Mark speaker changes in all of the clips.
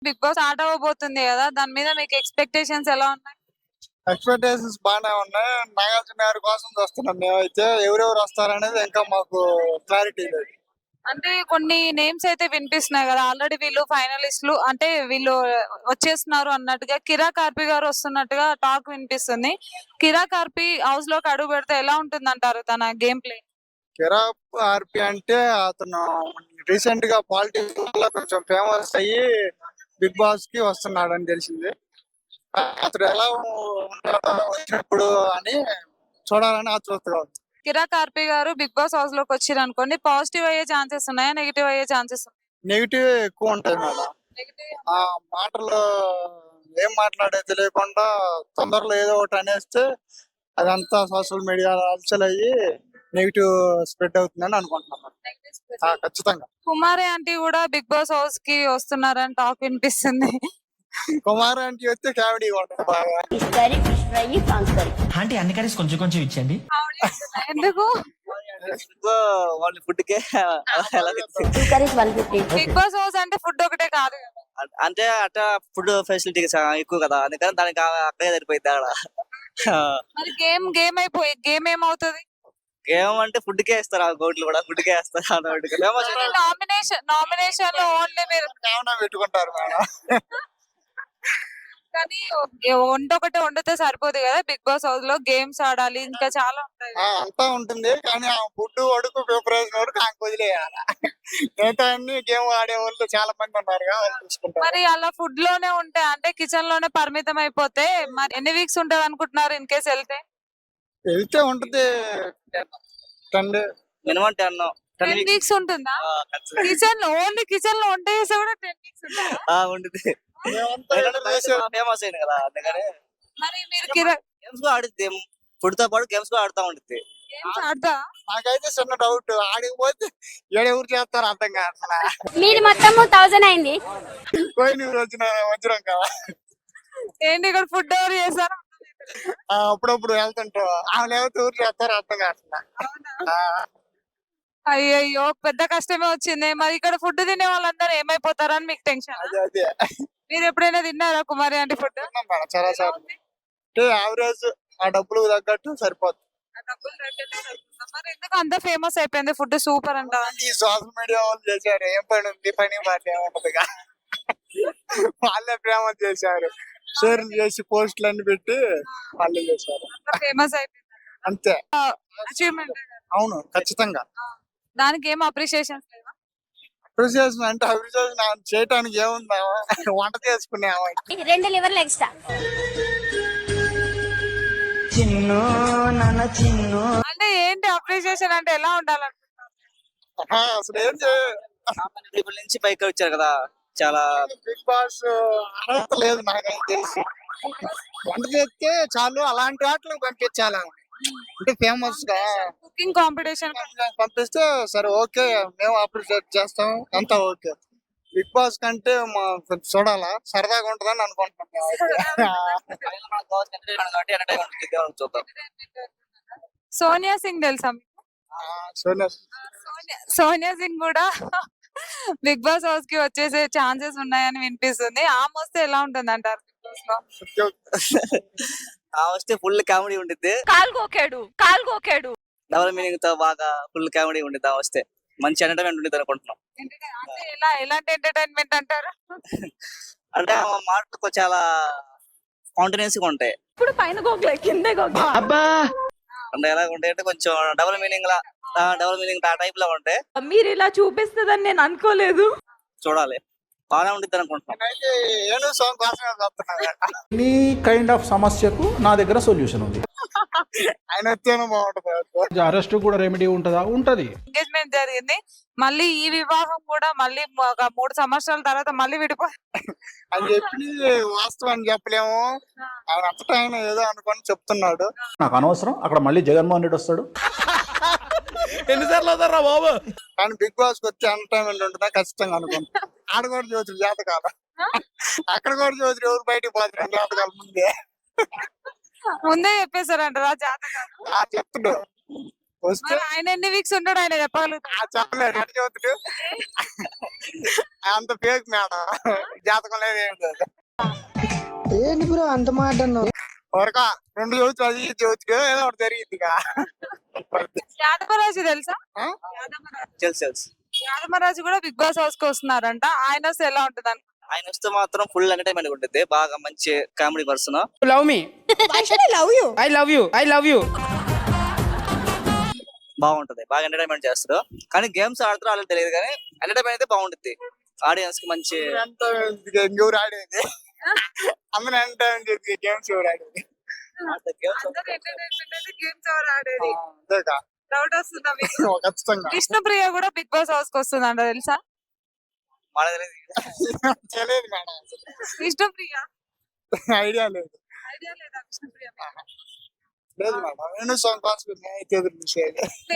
Speaker 1: Big boss start అవ్వబోతుంది కదా! దాని మీద మీకు ఎక్స్‌పెక్టేషన్స్ ఎలా ఉన్నాయి?
Speaker 2: ఎక్స్పెక్టేషన్స్ బానే ఉన్నాయి. నాగార్జున గారి కోసం చూస్తున్నాం మేమైతే. ఎవరెవరు వస్తారనేది ఇంకా మాకు క్లారిటీ లేదు.
Speaker 1: అంటే కొన్ని నేమ్స్ అయితే వినిపిస్తున్నాయి కదా! ఆల్రెడీ వీళ్ళు ఫైనలిస్ట్‌లు అంటే వీళ్ళు వచ్చేస్తున్నారు అన్నట్టుగా కిరా కార్పి గారు వస్తున్నట్టుగా టాక్ వినిపిస్తుంది. కిరా కార్పి హౌస్‌లోకి అడుగు పెడితే ఎలా ఉంటుందంటారు తన గేమ్ ప్లే?
Speaker 2: కిరాప్ ఆర్పి అంటే అతను రీసెంట్ గా పాలిటిక్స్ వల్ల కొంచెం ఫేమస్ అయ్యి బిగ్ బాస్ కి వస్తున్నాడని తెలిసింది. అతడు ఎలా ఉంటాడో వచ్చినప్పుడు అని చూడాలని ఆతృతగా ఉంది.
Speaker 1: కిరా కార్పి గారు బిగ్ బాస్ హౌస్‌లోకి వచ్చిరనుకోండి పాజిటివ్ అయ్యే ఛాన్సెస్ ఉన్నాయా? నెగెటివ్ అయ్యే ఛాన్సెస్ ఉన్నాయా?
Speaker 2: నెగిటివ్ ఎక్కువ ఉంటాయి మేడం.
Speaker 1: నెగెటివ్.
Speaker 2: ఆ మాటలు ఏం మాట్లాడేది తెలియకుండా తొందరలో ఏదో ఒకటి అనేస్తే అదంతా సోషల్ మీడియాలో అలచల్ అయ్యి నెగిటివ్ స్ప్రెడ్ అవుతుందని అనుకుంటున్నాను. ఖచ్చితంగా.
Speaker 1: కుమారి ఆంటీ కూడా బిగ్ బాస్ హౌస్ కి వస్తున్నారని టాక్ వినిపిస్తుంది.
Speaker 2: కుమార్ ఆంటీ వస్తే కామెడీ ఉంటుంది బాగా.
Speaker 3: Fish curry, fish fry, prawns curry.
Speaker 4: Aunty అన్ని కర్రీస్ కొంచెం కొంచెం ఇచ్చండి.
Speaker 1: ఎందుకు?
Speaker 5: వాళ్ళ ఫుడ్ కే
Speaker 3: two curries 150.
Speaker 1: Bigg Boss house అంటే ఫుడ్ ఒకటే కాదు కదా.
Speaker 5: అంటే అట్ట ఫుడ్ ఫెసిలిటీ ఎక్కువ కదా, అందుకని దానికి అక్కడే సరిపోయింది అక్కడ.
Speaker 1: మరి గేమ్ ఏమవుతుంది?
Speaker 5: గేమ్ అంటే ఫుడ్ కే ఇస్తారు, ఆ గోట్లు కూడా ఫుడ్ కే వేస్తారు.
Speaker 1: నామినేషన్ లో ఓన్లీ మీరు
Speaker 2: ఏమన్నా పెట్టుకుంటారు మేడం.
Speaker 1: కానీ వంట ఒకటే వండితే సరిపోదు కదా. బిగ్ బాస్ హౌస్ లో గేమ్స్ ఆడాలి, ఇంకా చాలా ఉంటాయి.
Speaker 2: అంతా ఉంటుంది కానీ ఆ ఫుడ్ అడుగు ప్రిపరేషన్ వరకు నాకు వదిలేయాలి. మిగతా అన్ని గేమ్ ఆడే వాళ్ళు చాలా మంది ఉన్నారు వాళ్ళు చూసుకుంటారు.
Speaker 1: మరి అలా ఫుడ్ లోనే ఉంటే అంటే కిచెన్ లోనే పరిమితం అయిపోతే మరి ఎన్ని వీక్స్ ఉంటది అనుకుంటున్నారు ఇన్ కేసు వెళ్తే?
Speaker 2: వెళ్తే ఉంటుంది 10 days.
Speaker 5: మినిమం 10
Speaker 1: 10 వీక్స్ ఉంటుందా? ఓన్లీ కిచెన్ లో వంట చేస్తే కూడా 10 వీక్స్ ఉంటుందా?
Speaker 5: ఉంటుంది.
Speaker 2: మేమంతా ఏదో చేసే-
Speaker 5: ఫేమస్ అయింది కదా, అందుకని
Speaker 1: మరి మీరు
Speaker 5: గేమ్స్ కూడా ఆడుద్ది. ఫుడ్ తో పాటు గేమ్స్ కూడా ఆడుతూ ఉంటుంది.
Speaker 1: గేమ్స్ ఆడతా?
Speaker 2: నాకైతే చిన్న డౌట్, ఆడిపోతే ఎవరు చేస్తారు అర్థం కాదు.
Speaker 3: మీది మొత్తము 1000 అయింది.
Speaker 2: పోయిన వచ్చిన వజ్రం కదా,
Speaker 1: ఏంటి ఇక్కడ ఫుడ్ ఎవరు చేస్తారు?
Speaker 2: అప్పుడప్పుడు వెళ్తుంటాం. ఆమె లేకపోతే ఎవరు చేస్తారు అర్థం కాదు.
Speaker 1: అయ్యయ్యో పెద్ద కష్టమే వచ్చింది. మరి ఇక్కడ ఫుడ్ తినే వాళ్ళందరూ ఏమైపోతారని మీకు టెన్షన్?
Speaker 2: అదే అదే
Speaker 1: మీరు ఎప్పుడైనా తిన్నారా కుమారి ఆంటీ ఫుడ్?
Speaker 2: తిన్నాం మేడం చాలా సార్లు. అంటే యావరేజ్ ఆ డబ్బులు తగ్గట్టు సరిపోతుంది.
Speaker 1: మరి ఎందుకు అంత ఫేమస్ అయిపోయింది ఫుడ్ సూపర్ అంట?
Speaker 2: ఈ సోషల్ మీడియా వాళ్ళు చేశారు, ఏం పని ఉంది, పని మాట ఏముంటదిగా. వాళ్ళే ఫేమస్ చేశారు, షేర్ చేసి పోస్టులు అన్ని పెట్టి వాళ్ళే చేశారు
Speaker 1: ఫేమస్ అయిపోయింది
Speaker 2: అంతే.
Speaker 1: అచీవ్మెంట్.
Speaker 2: అవును ఖచ్చితంగా.
Speaker 1: దానికి ఏం అప్రిషియేషన్స్ లేవా?
Speaker 2: అప్రిసియేషన్ అంటే అప్రిసియేషన్ చేయటానికి ఏముందా, వంట చేసుకునేవా.
Speaker 3: 2 లివర్లు ఎక్స్ట్రా.
Speaker 1: అంటే ఏంటి అప్రిషియేషన్ అంటే ఎలా ఉండాలనుకుంటున్నారు?
Speaker 2: అసలు ఏం చేయ
Speaker 5: పీపుల్ నుంచి పైకి వచ్చారు కదా, చాలా
Speaker 2: బిగ్ బాస్ అర్హత లేదు నాకైతే తెలిసి. వంట చేస్తే చాలు, అలాంటి వాటికి పంపించాలి. అంటే ఫేమస్ గా
Speaker 1: కుకింగ్ కాంపిటీషన్
Speaker 2: పంపిస్తే సరే ఓకే, మేము అప్రిషియేట్ చేస్తాం, అంతా ఓకే. బిగ్ బాస్ కంటే కొంచెం చూడాలా, సరదాగా ఉంటుందని అనుకుంటున్నాం.
Speaker 5: చూద్దాం.
Speaker 1: సోనియా సింగ్ తెలుసా మీకు?
Speaker 2: సోనియా
Speaker 1: సోనియా సింగ్ కూడా బిగ్ బాస్ హౌస్ కి వచ్చేసే ఛాన్సెస్ ఉన్నాయని వినిపిస్తుంది. ఆమె వస్తే ఎలా ఉంటుంది అంటారు బిగ్ బాస్ లో?
Speaker 5: వస్తే ఫుల్ కామెడీ ఉండిద్ది.
Speaker 1: కాల్గోకాడు
Speaker 5: డబుల్ మీనింగ్ తో బాగా ఫుల్ కామెడీ ఉండిద్ది. వస్తే మంచి ఎంటర్టైన్మెంట్ ఉండిద్ది అనుకుంటున్నాం.
Speaker 1: అంటే ఎలాంటి ఎంటర్టైన్మెంట్ అంటారు?
Speaker 5: అంటే ఆ మాటలు చాలా కాంటిన్యూస్ గా ఉంటాయి.
Speaker 1: ఇప్పుడు పైన గోగ్లే కిందే గోగ్లే.
Speaker 5: అంటే ఎలా ఉంటాయి అంటే కొంచెం డబుల్ మీనింగ్ ఆ టైప్ లో ఉంటాయి.
Speaker 1: మీరు ఇలా చూపిస్తుందని నేను అనుకోలేదు.
Speaker 5: చూడాలి, బాగానే ఉండిద్ది అనుకుంటున్నాం.
Speaker 2: అయితే ఏను సాంగ్ కోసమే చూస్తున్నాను.
Speaker 6: ఎనీ కైండ్ ఆఫ్ సమస్యకు నా దగ్గర సొల్యూషన్ ఉంది.
Speaker 2: ఆయన వచ్చేనే బాగుంటుంది.
Speaker 6: అరెస్ట్ కూడా రెమెడీ ఉంటుందా? ఉంటది.
Speaker 1: ఎంగేజ్మెంట్ జరిగింది, మళ్ళీ ఈ వివాహం కూడా మళ్ళీ ఒక 3 సంవత్సరాల తర్వాత మళ్ళీ
Speaker 2: అని చెప్పి వాస్తవాన్ని చెప్పలేము. ఆయన అంతటా ఆయన ఏదో అనుకొని చెప్తున్నాడు.
Speaker 6: నాకు అనవసరం, అక్కడ మళ్ళీ జగన్మోహన్ రెడ్డి వస్తాడు. ఎన్నిసార్లు అవుతారా బాబు?
Speaker 2: కానీ బిగ్ బాస్ కి వచ్చే ఎంటర్టైన్మెంట్ ఉంటుందా ఖచ్చితంగా అనుకుంటా. ఆడ కూడా చూసి జాతకాలు, అక్కడ కూడా చూసి ఎవరు బయటికి పోతారు జాతకాలు
Speaker 1: ముందే చెప్పేశారంటారా జాతకాలు?
Speaker 2: చెప్తున్నాడు. వస్తే
Speaker 1: మరి ఆయన ఎన్ని వీక్స్ ఉంటాడు ఆయన చెప్పగలుగుతాడు.
Speaker 2: చెప్పలేదు ఎట్లా చదువుతుడు అంత ఫేక్ మేడం జాతకం లేదు ఏం లేదు
Speaker 7: ఏంటి బ్రో అంత మాట అన్నావు?
Speaker 2: వరక 2 చదువుతు అది చదువుతు ఏదో ఒకటి జరిగింది ఇక.
Speaker 1: యాదవరాజు తెలుసా?
Speaker 2: ఆ?
Speaker 5: తెలుసు
Speaker 1: యాదవరాజు కూడా బిగ్ బాస్ హౌస్ కి వస్తున్నారంట. ఆయన వస్తే ఎలా ఉంటుంది?
Speaker 5: ఆయన వస్తే మాత్రం ఫుల్ ఎంటర్టైన్మెంట్ ఉంటుంది, బాగా మంచి comedy person.
Speaker 7: Love me I love you
Speaker 5: బాగుంటది, బాగా ఎంటర్టైన్మెంట్ చేస్తారు. కానీ గేమ్స్ ఆడుతారో వాళ్ళకి తెలియదు, కానీ ఎంటర్టైన్మెంట్ అయితే బాగుంటుంది. ఆడియన్స్ కి మంచి
Speaker 2: ఎంత ఎవరు ఆడేది అందరూ ఎంటర్టైన్మెంట్ చేసి గేమ్స్ ఎవరు ఆడేది
Speaker 5: గేమ్స్
Speaker 1: గేమ్స్ ఎవరు ఆడేది?
Speaker 2: అంతేకా
Speaker 1: డౌట్ వస్తుందా మీకు?
Speaker 2: ఖచ్చితంగా
Speaker 1: విష్ణుప్రియ కూడా బిగ్ బాస్ హౌస్ కి వస్తుందంట, తెలుసా?
Speaker 5: మనకు తెలియదు.
Speaker 2: తెలియదు మేడం
Speaker 1: విష్ణుప్రియ
Speaker 2: ఐడియా లేదు
Speaker 1: ఐడియా లేదా? విష్ణుప్రియ
Speaker 2: లేదు మేడం నేను సాంగ్ కోసం అయితే ఎదురు చూసేది.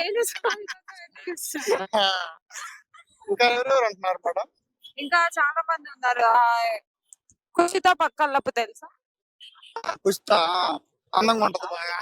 Speaker 2: ఇంకా ఎవరెవరు అంటున్నారు మేడం?
Speaker 1: ఇంకా చాలా మంది ఉన్నారు. కుషిత పక్కల్లపు తెలుసా?
Speaker 2: పుష్ప అందంగా ఉంటది బాగా.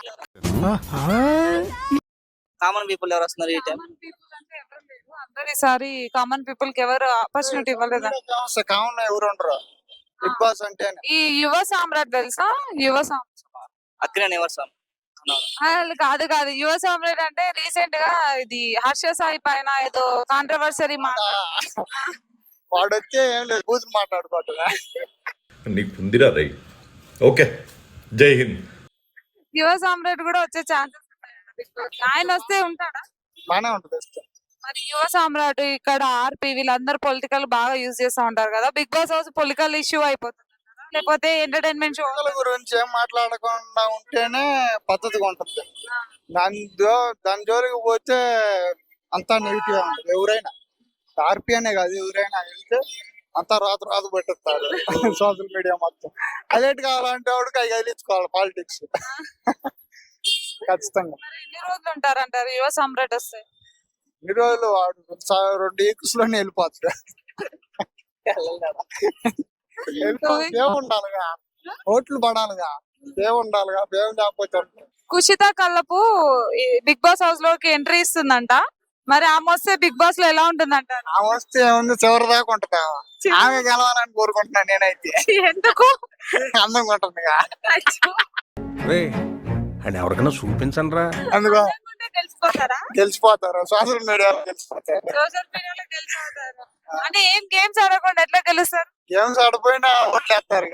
Speaker 5: కామన్ పీపుల్ ఎవరు వస్తున్నారు ఈ టైం?
Speaker 1: కామన్ పీపుల్ అంటే ఎవరు లేరు. అందరు ఈసారి కామన్ పీపుల్ కి ఎవరు ఆపర్చునిటీ ఇవ్వలేదు.
Speaker 2: కామన్ ఎవరు ఉండరు బిగ్ బాస్ అంటే.
Speaker 1: ఈ యువ సామ్రాట్ తెలుసా? యువ సామ్రాట్
Speaker 5: అక్కినేని ఎవరు సార్?
Speaker 1: కాదు కాదు, యువ సామ్రాట్ అంటే రీసెంట్ గా ఇది హర్ష సాయి పైన ఏదో కాంట్రవర్సరీ
Speaker 2: వాడు వచ్చే ఏం లేదు కూతురు మాట్లాడుకోవట్లే.
Speaker 8: నీకు ఉందిరా రై. ఓకే, జై హింద్.
Speaker 1: యువ సామ్రాట్ కూడా వచ్చే ఛాన్సెస్ ఉన్నాయి. ఆయన వస్తే ఉంటాడా?
Speaker 2: బానే ఉంటది ఇష్టం.
Speaker 1: మరి యువ సామ్రాట్ ఇక్కడ ఆర్పి వీళ్ళందరూ పొలిటికల్ బాగా యూజ్ చేస్తా ఉంటారు కదా. Bigg Boss house political issue అయిపోతుంది లేకపోతే ఎంటర్టైన్మెంట్ షో
Speaker 2: పిల్లల గురించి ఏం మాట్లాడకుండా ఉంటేనే పద్ధతిగా ఉంటుంది. దాని జోలికి పోతే అంతా నెగిటివ్ ఉంటుంది. ఎవరైనా ఆర్పి అనే కాదు, ఎవరైనా వెళ్తే అంతా రాదు పెట్టేస్తారు సోషల్ మీడియా మొత్తం. అదేంటి కావాలంటే వాడికి అవి కదిలించుకోవాలి పాలిటిక్స్ ఖచ్చితంగా.
Speaker 1: ఎన్ని రోజులు ఉంటారంటారు యువ సామ్రాట్ వస్తే?
Speaker 2: ఈ రోజులు వాడు 2 వీక్స్ లోనే వెళ్ళిపోతాడు. ఉండాలిగా, ఓట్లు పడాలిగా, ఉండాలిగా, దేవుడు లేకపోతే
Speaker 1: Kushitha Kallapu Bigg Boss house లోకి ఎంట్రీ ఇస్తుందంట. మరి ఆమె వస్తే బిగ్ బాస్ లో ఎలా ఉంటుందంటారు?
Speaker 2: ఆ వస్తే ఏముంది చివరి దాకా ఉంటది. ఆమె గెలవాలని కోరుకుంటున్నాను నేనైతే.
Speaker 1: ఎందుకు?
Speaker 2: అందంగా ఉంటుంది
Speaker 9: అని ఎవరికైనా చూపించండి రా.
Speaker 2: అందుకో
Speaker 1: తెలిసిపోతారా?
Speaker 2: గెలిచిపోతారు, సోషల్ మీడియాలో గెలిచిపోతారు.
Speaker 1: సోషల్ మీడియాలో గెలిచిపోతారు అంటే ఏం గేమ్స్ ఆడకుండా ఎట్లా గెలుస్తారు?
Speaker 2: గేమ్స్ ఆడిపోయినా ఓట్లేస్తారు,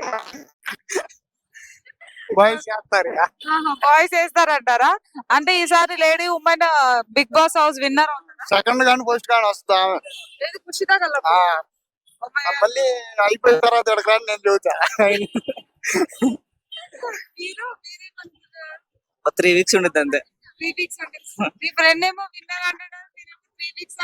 Speaker 2: బాయ్స్ చేస్తారు.
Speaker 1: బాయ్స్ వేస్తారంటారా? అంటే ఈసారి lady women Bigg Boss house winner
Speaker 2: second కానీ ఫస్ట్ కానీ వస్తా.
Speaker 1: కుషిత కల్లపు.
Speaker 2: మళ్ళీ అయిపోయిన తర్వాత ఎక్కడికి రాని నేను చెబుతా.
Speaker 5: 3 వీక్స్ ఉంటుంది అంతే.
Speaker 1: 3 వీక్స్ అంటే మీ ఫ్రెండ్ ఏమో విన్నర్ అంటాడు, 3 వీక్స్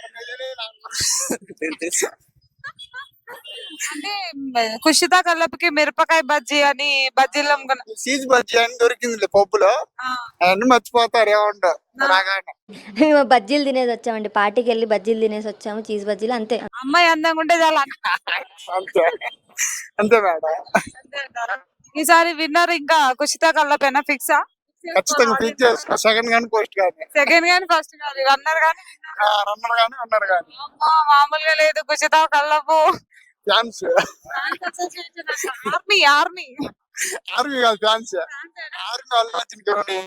Speaker 1: అంటే కుషిత కల్లపుకి మిరపకాయ బజ్జీ అని బజ్జీలు అమ్ముకున్నా.
Speaker 2: సీజ్ బజ్జీ అని దొరికింది పప్పులో, అవన్నీ మర్చిపోతారు ఏముండవు రాగానే.
Speaker 10: మేము బజ్జీలు తినేసి వచ్చామండి, పార్టీకి వెళ్ళి బజ్జీలు తినేసి వచ్చాము, చీజ్ బజ్జీలు అంతే.
Speaker 1: అమ్మాయి అందంగా ఉంటే చాలా
Speaker 2: అంతే అంతే మేడం.
Speaker 1: ఈసారి విన్నర్ ఇంకా కుషిత కల్లపేనా ఫిక్సా?
Speaker 2: ఖచ్చితంగా ఫిక్స్ చేసుకో. సెకండ్ కానీ పోస్ట్ కానీ,
Speaker 1: సెకండ్ గాని ఫస్ట్ గాని, రన్నర్ గాని
Speaker 2: రన్నర్ కానీ
Speaker 1: మామూలుగా లేదు Kushitha Kallapu
Speaker 2: fans.
Speaker 1: Army army
Speaker 2: army కాదు ఫ్యాన్స్. ఆర్మీ వాళ్ళు వచ్చిన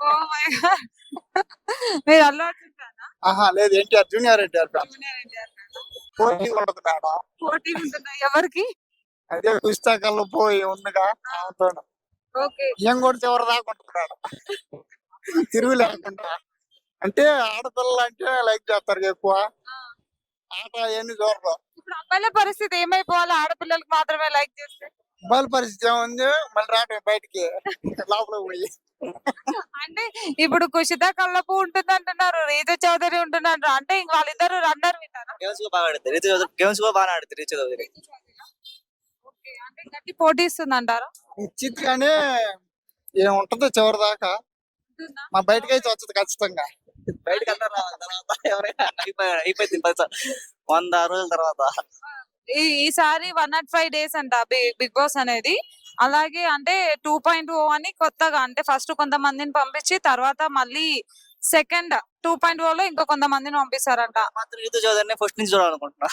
Speaker 1: మీరు అల్లు అర్జున్ ఫ్యానా?
Speaker 2: ఆహా లేదు, NTR junior NTR fans.
Speaker 1: Junior NTR ఫ్యానా?
Speaker 2: పోటీ ఉండదు మేడం.
Speaker 1: పోటీ ఉంటుందా ఎవరికి?
Speaker 2: అదే పుస్తకాల్లో పోయి ఉందిగా ఆమెతో
Speaker 1: ఓకే.
Speaker 2: ఏం కూడా చివరి దాకా ఉంటుంది మేడం, తిరుగు లేకుండా. అంటే ఆడపిల్లలు అంటే లైక్ చేస్తారు ఎక్కువ, ఆట అవన్నీ చూడరు.
Speaker 1: ఇప్పుడు అబ్బాయిల పరిస్థితి ఏమైపోవాలి? ఆడపిల్లలకి మాత్రమే లైక్ చేస్తే
Speaker 2: అబ్బాయిల పరిస్థితి ఏముంది, మళ్ళీ రావటం బయటికి లోపల పోయి.
Speaker 1: అంటే ఇప్పుడు కుషిత కల్లపు ఉంటుంది అంటున్నారు, రీతు చౌదరి ఉంటున్నారు, అంటే ఇంక వాళ్ళిద్దరు రన్నర్ విన్నారా?
Speaker 5: గేమ్స్ కూడా బాగా ఆడుతుంది రీతు చౌదరి. గేమ్స్ కూడా బాగా ఆడుతుంది రీతు చౌదరి.
Speaker 1: ఓకే, అంటే గట్టి పోటీ ఇస్తుంది అంటారా?
Speaker 2: ఇచ్చిత్ కానీ ఏముంటదో చివరి దాకా, మా బయటకి అయితే వచ్చదు ఖచ్చితంగా.
Speaker 5: బయటకు అందరూ రావాలి తర్వాత ఎవరైనా అయిపోయింది 100 రోజుల తర్వాత.
Speaker 1: ఈసారి 105 days అంట బిగ్ బాస్ అనేది. అలాగే అంటే 2.0 అని కొత్తగా, అంటే ఫస్ట్ కొంతమందిని పంపించి తర్వాత మళ్ళీ సెకండ్ 2.0 లో ఇంకో కొంతమందిని పంపిస్తారంట.
Speaker 5: మాత్రం రీతు చౌదరిని ఫస్ట్ నుంచి చూడాలనుకుంటున్నా.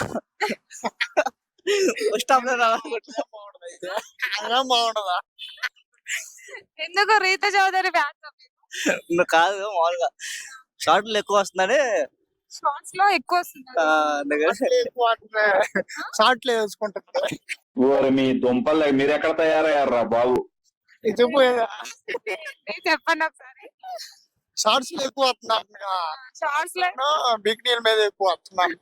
Speaker 5: ఫస్ట్ హాఫ్ లో రావాలనుకుంటున్నా.
Speaker 2: అదేం బాగుండదా?
Speaker 1: ఎందుకు రీతు చౌదరి ఫ్యాన్స్?
Speaker 5: ఇంకా కాదు మామూలుగా షార్ట్లు ఎక్కువ వస్తుందని
Speaker 1: షార్ట్స్ లో ఎక్కువ వస్తుంది.
Speaker 5: అందుకని
Speaker 2: షార్ట్లు వేసుకుంటుంది.
Speaker 6: ఓరి మీ దుంపలు మీరు ఎక్కడ తయారయ్యారా బాబు?
Speaker 2: ఇది చెప్పు.
Speaker 1: చెప్పండి ఒకసారి.
Speaker 2: షార్ట్స్ లో ఎక్కువ వస్తున్నాను.
Speaker 1: షార్ట్స్ లో
Speaker 2: బిగ్ డీల్ మీద ఎక్కువ వస్తున్నాను.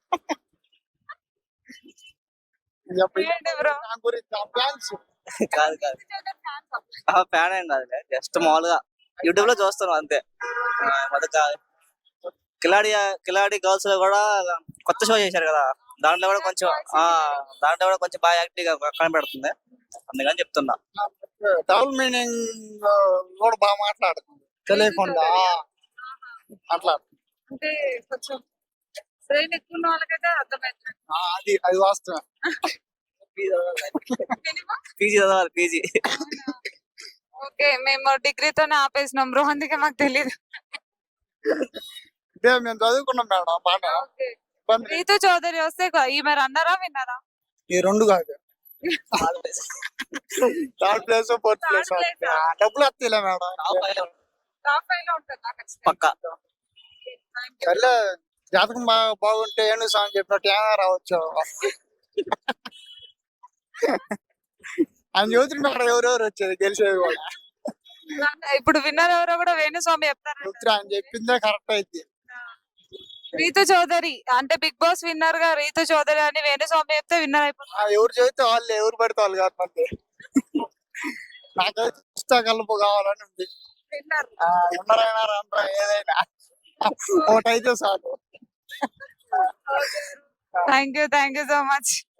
Speaker 1: ఏంటి బ్రో?
Speaker 2: నా గురించి ప్లాన్స్
Speaker 5: కాదు కాదు ఫ్యాన్ ఏం కాదులే, జస్ట్ మామూలుగా యూట్యూబ్ లో చూస్తాను అంతే. మొదట కిలాడి గర్ల్స్ లో కూడా కొత్త షో చేశారు కదా, దాంట్లో కూడా కొంచెం బాగా యాక్టివ్ గా కనబడుతుంది, అందుకని చెప్తున్నా.
Speaker 2: డబుల్ మీనింగ్ కూడా బాగా మాట్లాడుతుంది తెలియకుండా అట్లా.
Speaker 1: అంటే కొంచెం బ్రెయిన్ ఎక్కువ ఉన్న వాళ్ళకైతే అర్థమవుతుంది.
Speaker 2: అది వాస్తవం.
Speaker 5: పీజీ చదవాలి పీజీ.
Speaker 1: ఓకే, మేము డిగ్రీతోనే ఆపేసినాం బ్రో, అందుకే మాకు తెలియదు.
Speaker 2: ఇదే మేము చదువుకున్నాం మేడం బాగా. ఇబ్బంది
Speaker 1: రీతు చౌదరి వస్తే ఈమె రన్నరా విన్నారా?
Speaker 2: ఈ రెండు కాదు, థర్డ్ ప్లేస్ ఫోర్త్ ప్లేస్ డబ్బులు వస్తాయిలే మేడం.
Speaker 1: టాప్ 5 లో ఉంటుందా?
Speaker 5: పక్కా.
Speaker 2: సర్లే, జాతకం బాగుంటే ఏను సాంగ్ చెప్పినట్టు ఏమైనా రావచ్చు. ఆయన జ్యోతిని అక్కడ ఎవరెవరు వచ్చేది గెలిచేది కూడా.
Speaker 1: ఇప్పుడు విన్నర్ ఎవరో కూడా వేణుస్వామి చెప్తారు.
Speaker 2: జ్యోతి ఆయన చెప్పిందే కరెక్ట్ అయితే.
Speaker 1: రీతు చౌదరి అంటే బిగ్ బాస్ విన్నర్ గా రీతు చౌదరి అని వేణుస్వామి చెప్తే విన్నర్ అయిపోతుంది.
Speaker 2: ఎవరు చెబితే వాళ్ళు, ఎవరు పడితే వాళ్ళు కాదు. మంది నాకైతే పుస్తక కలుపు కావాలని ఉంది. ఉన్నారైనా రాండ్రా ఏదైనా ఒకటైతే చాలు.
Speaker 1: Thank you so much.